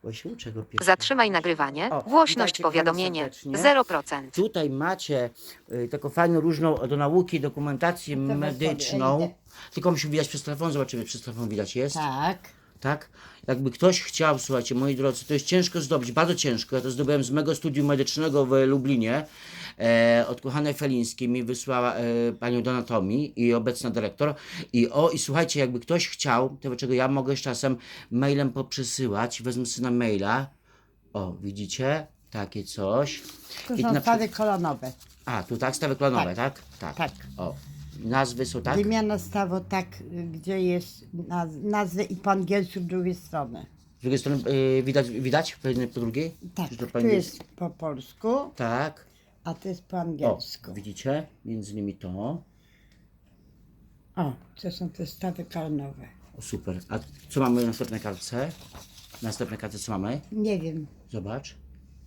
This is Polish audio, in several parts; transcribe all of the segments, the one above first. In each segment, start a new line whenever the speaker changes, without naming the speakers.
Bo się uczę go pierwszy.
Zatrzymaj nagrywanie.
O,
Głośność
witajcie, kochani,
powiadomienie
serdecznie.
0%.
Tutaj macie taką fajną, różną do nauki dokumentację
To
medyczną.
sobie,
Tylko musi widać przez telefon, zobaczymy, przez telefon widać jest.
Tak.
Tak? Jakby ktoś chciał, słuchajcie, moi drodzy, to jest ciężko zdobyć, bardzo ciężko. Ja to zdobyłem z mego studium medycznego w Lublinie. Od kochanej Felińskiej mi wysłała panią do anatomii i obecna dyrektor. I słuchajcie, jakby ktoś chciał, to czego ja mogę z czasem mailem poprzesyłać, wezmę sobie na maila. O, widzicie? Takie coś.
To
I
są
na
stawy kolonowe.
A, tu tak, stawy klonowe, tak? Tak.
Tak.
O, nazwy są tak?
Wymiana stawu tak, gdzie jest nazwy i po angielsku z drugiej strony.
Z drugiej strony widać po jednej, po drugiej?
Tak,
Czy to po
tu
angielsku?
jest po polsku,
Tak.
a to jest po
O,
angielsku.
widzicie? Między nimi to.
O, to są te stawy kolonowe.
O, super. A co mamy na następnej kartce? Na następnej kartce co mamy?
Nie wiem,
Zobacz.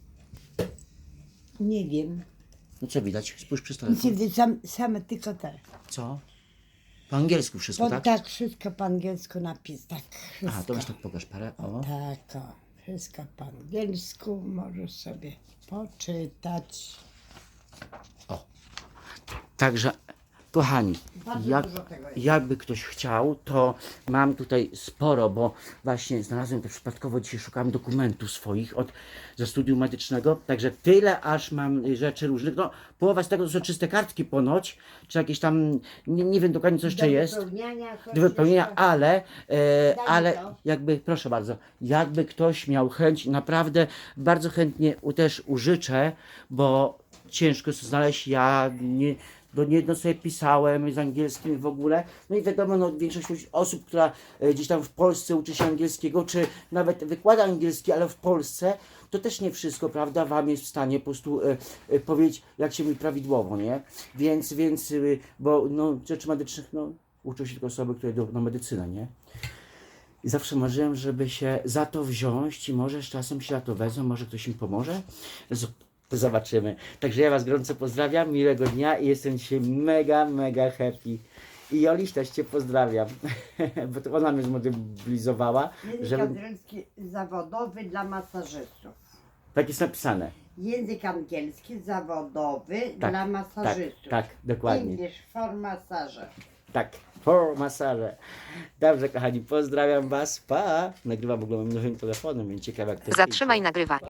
nie wiem.
No co widać? Spójrz przez
Nic
telefon.
nie widzę, same tylko te.
Co? Po angielsku wszystko,
Bo
tak?
tak, wszystko po angielsku napis, tak.
Aha,
Wszystko.
to masz tak pokaż parę. O.
Tak, o, wszystko po angielsku, możesz sobie poczytać.
Także, kochani,
Bardzo
jak,
dużo tego jest.
jakby ktoś chciał, to mam tutaj sporo, bo właśnie znalazłem to przypadkowo, dzisiaj szukałem dokumentów swoich ze studium medycznego, także tyle aż mam rzeczy różnych, no połowa z tego to są czyste kartki ponoć, czy jakieś tam, nie wiem dokładnie co jeszcze jest, do wypełnienia, ale
to.
jakby, proszę bardzo, jakby ktoś miał chęć, naprawdę bardzo chętnie też użyczę, bo ciężko jest znaleźć, ja niejedno sobie pisałem z angielskim w ogóle, no i wiadomo, no, większość osób, która gdzieś tam w Polsce uczy się angielskiego, czy nawet wykłada angielski, ale w Polsce, to też nie wszystko, prawda, wam jest w stanie po prostu powiedzieć, jak się mówi prawidłowo, nie? Więc bo no, rzeczy medycznych, no, uczą się tylko osoby, które idą na medycynę, nie? I zawsze marzyłem, żeby się za to wziąć i może z czasem się za to wezmą, może ktoś mi pomoże. Zobaczymy. Także ja was gorąco pozdrawiam, miłego dnia i jestem dzisiaj mega happy. I Joliś też cię pozdrawiam, bo to ona mnie zmobilizowała,
Język
żeby...
angielski zawodowy dla masażystów.
Tak jest napisane.
Język angielski zawodowy
Tak,
dla masażystów.
tak, dokładnie.
English for masaże.
Tak, for masaże. Dobrze, kochani, pozdrawiam was, pa! Nagrywam w ogóle moim nowym telefonem, więc ciekawe jak to jest.
Zatrzymaj nagrywanie.